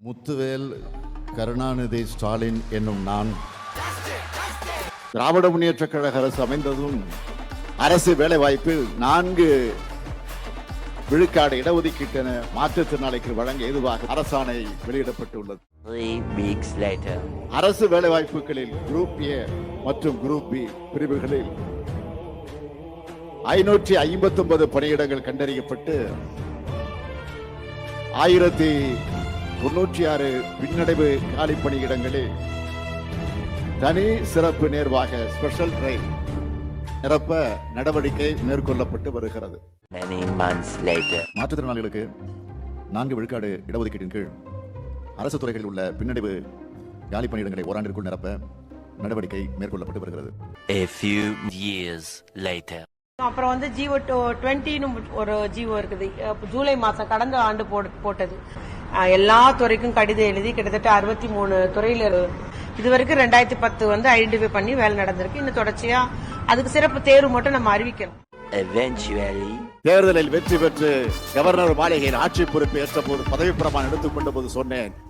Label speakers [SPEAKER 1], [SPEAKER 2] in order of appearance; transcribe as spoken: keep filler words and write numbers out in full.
[SPEAKER 1] முத்துவேல் கருணாநிதி ஸ்டாலின் என்னும் நான் திராவிட முன்னேற்ற கழக அரசு அமைந்ததும் அரசு வேலைவாய்ப்பில் நான்கு விழுக்காடு இடஒதுக்கீட்டென மாற்றுத்திறனாளிக்கு வழங்க ஏதுவாக அரசாணை வெளியிடப்பட்டுள்ளது. அரசு வேலைவாய்ப்புகளில் குரூப் ஏ மற்றும் குரூப் பி பிரிவுகளில் ஐநூற்றி ஐம்பத்தி ஒன்பது பணியிடங்கள் கண்டறியப்பட்டு ஆயிரத்தி தொன்னூற்றி ஆறு பின்னடைவு காலி பணியிடங்களில் தனி சிறப்பு நேர்வாக ஸ்பெஷல் டிரைவ் நிரப்ப நடவடிக்கை மேற்கொள்ளப்பட்டு வருகிறது. மாற்றுத்திறனாளிகளுக்கு நான்கு விழுக்காடு இடஒதுக்கீட்டின் கீழ் அரசு துறைகளில் உள்ள பின்னடைவு காலி பணியிடங்களை ஓராண்டிற்குள் நிரப்ப நடவடிக்கை மேற்கொள்ளப்பட்டு வருகிறது.
[SPEAKER 2] A few years later.
[SPEAKER 3] அப்புறம் வந்து ஜிஓ டுவெண்ட்டின்னு ஒரு ஜிஓ இருக்குது. ஜூலை மாசம் கடந்த ஆண்டு போட்டது. எல்லா துறைக்கும் கடிதம் எழுதி கிட்டத்தட்ட அறுபத்தி மூணு துறையில இதுவரைக்கும் ரெண்டாயிரத்தி பத்து வந்து ஐடென்டிஃபை பண்ணி வேலை நடந்திருக்கு. இன்னும் தொடர்ச்சியா அதுக்கு சிறப்பு தேர்வு மட்டும் நம்ம அறிவிக்கணும்.
[SPEAKER 2] Eventually,
[SPEAKER 1] தேர்தலில் வெற்றி பெற்று கவர்னர் மாளிகையில் ஆட்சி பொறுப்பு ஏற்ற போது பதவி பிரமாணம் எடுத்துக்கொண்ட போது சொன்னேன்,